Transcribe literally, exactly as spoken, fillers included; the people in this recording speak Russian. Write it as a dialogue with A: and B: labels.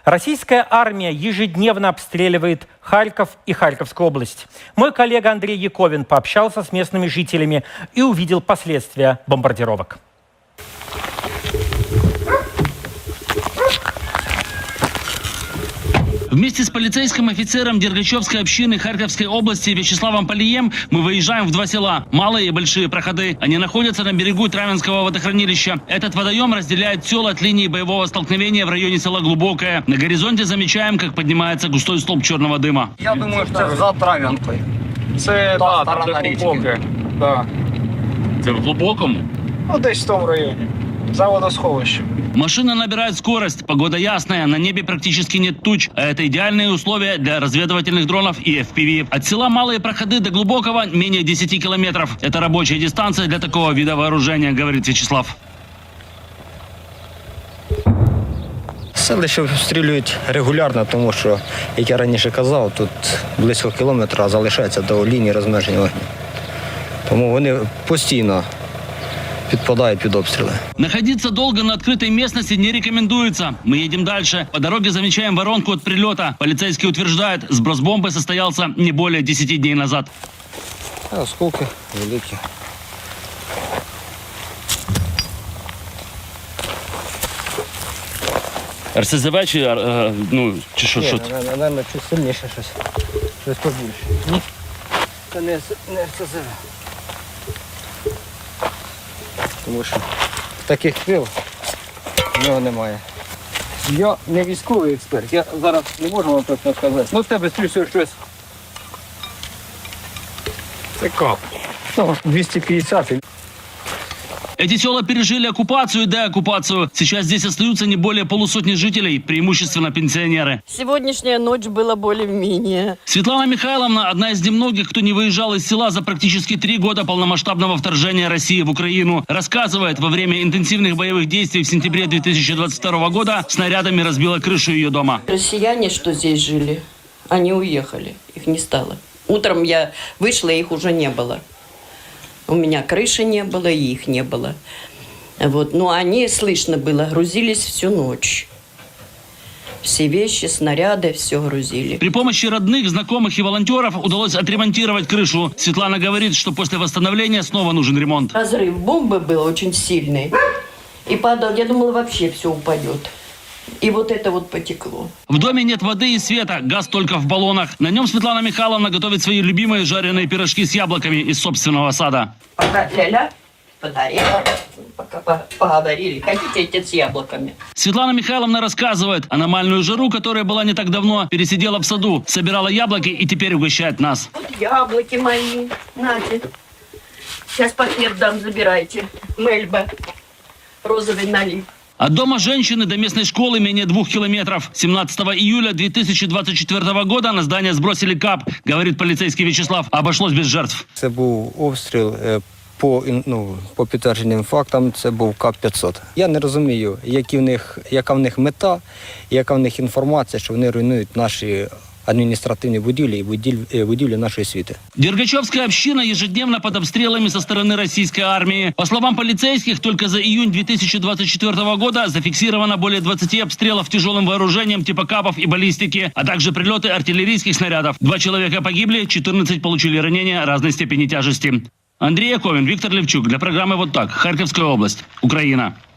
A: Российская армия ежедневно обстреливает Харьков и Харьковскую область. Мой коллега Андрей Яковин пообщался с местными жителями и увидел последствия бомбардировок.
B: Вместе с полицейским офицером Дергачевской общины Харьковской области Вячеславом Полием мы выезжаем в два села – Малые и Большие Проходы. Они находятся на берегу Травинского водохранилища. Этот водоем разделяет села от линии боевого столкновения в районе села Глубокое. На горизонте замечаем, как поднимается густой столб черного дыма.
C: Я думаю, що це за Трав'янкою.
D: Це
C: Та
D: да,
C: сторона
D: там, де
C: річки.
D: глибоке. Да.
B: Это в Глубоком?
D: Ну, десь в тому районі. За водосховищем.
B: Машина набирает скорость, погода ясная, на небе практически нет туч, а это идеальные условия для разведывательных дронов и эф пи ви. От села Малые Проходы до Глубокого менее десяти километров. Это рабочая дистанция для такого вида вооружения, говорит Вячеслав.
C: Селище обстрілюють регулярно, тому що, як я раніше казав, тут близько кілометра залишається до лінії розмеження вогню. Тому вони постійно підпадають під обстріли.
B: Находиться долго на открытой местности не рекомендуется. Мы едем дальше. По дороге замечаем воронку от прилета. Полицейские утверждают, сброс бомбы состоялся не более десяти дней назад.
C: А осколки великі.
B: ер ес зет ве чи, ну, чи що?
C: Ні, напевно, щось сильніше, щось, щось побільше. Ні, це не, не ер ес зет ве. Тому що таких крил в нього немає. Я не військовий експерт, я зараз не можу вам точно сказати. Ну, в тебе стрільше щось.
D: Це кап.
C: Ну, двісті п'ятдесят.
B: Эти села пережили оккупацию и деоккупацию. Сейчас здесь остаются не более полусотни жителей, преимущественно пенсионеры.
E: Сегодняшняя ночь была более-менее.
B: Светлана Михайловна – одна из немногих, кто не выезжал из села за практически три года полномасштабного вторжения России в Украину. Рассказывает, во время интенсивных боевых действий в сентябре две тысячи двадцать второго года снарядами разбила крышу ее дома.
E: Россияне, что здесь жили, они уехали, их не стало. Утром я вышла, их уже не было. У меня крыши не было, и их не было. Вот. Но они, слышно было, грузились всю ночь. Все вещи, снаряды, все грузили.
B: При помощи родных, знакомых и волонтеров удалось отремонтировать крышу. Светлана говорит, что после восстановления снова нужен ремонт.
E: Разрыв бомбы был очень сильный. И падал, я думала, вообще все упадет. И вот это вот потекло.
B: В доме нет воды и света, газ только в баллонах. На нем Светлана Михайловна готовит свои любимые жареные пирожки с яблоками из собственного сада.
E: Пока ля-ля подарила, пока по- поговорили. Хотите идти с яблоками?
B: Светлана Михайловна рассказывает, аномальную жару, которая была не так давно, пересидела в саду, собирала яблоки и теперь угощает нас.
E: Вот яблоки мои. Нате. Сейчас пакет дам, забирайте. Мельба. Розовый налив.
B: От дома женщины до местной школы менее двух километров. семнадцатого июля две тысячи двадцать четвёртого года на здание сбросили кап, говорит полицейский Вячеслав. Обошлось без жертв.
C: Це був обстріл е, по, ін- ну, по підтвердженим фактам, це був кап п'ятсот. Я не розумію, які в них, яка в них мета, яка в них інформація, що вони руйнують наші административные будівлі и будівлі, будівлі нашої світи.
B: Дергачевская община ежедневно под обстрелами со стороны российской армии. По словам полицейских, только за июнь две тысячи двадцать четвёртого года зафиксировано более двадцати обстрелов тяжелым вооружением типа капов и баллистики, а также прилеты артиллерийских снарядов. Два человека погибли, четырнадцать получили ранения разной степени тяжести. Андрей Яковин, Виктор Левчук. Для программы «Вот так». Харьковская область. Украина.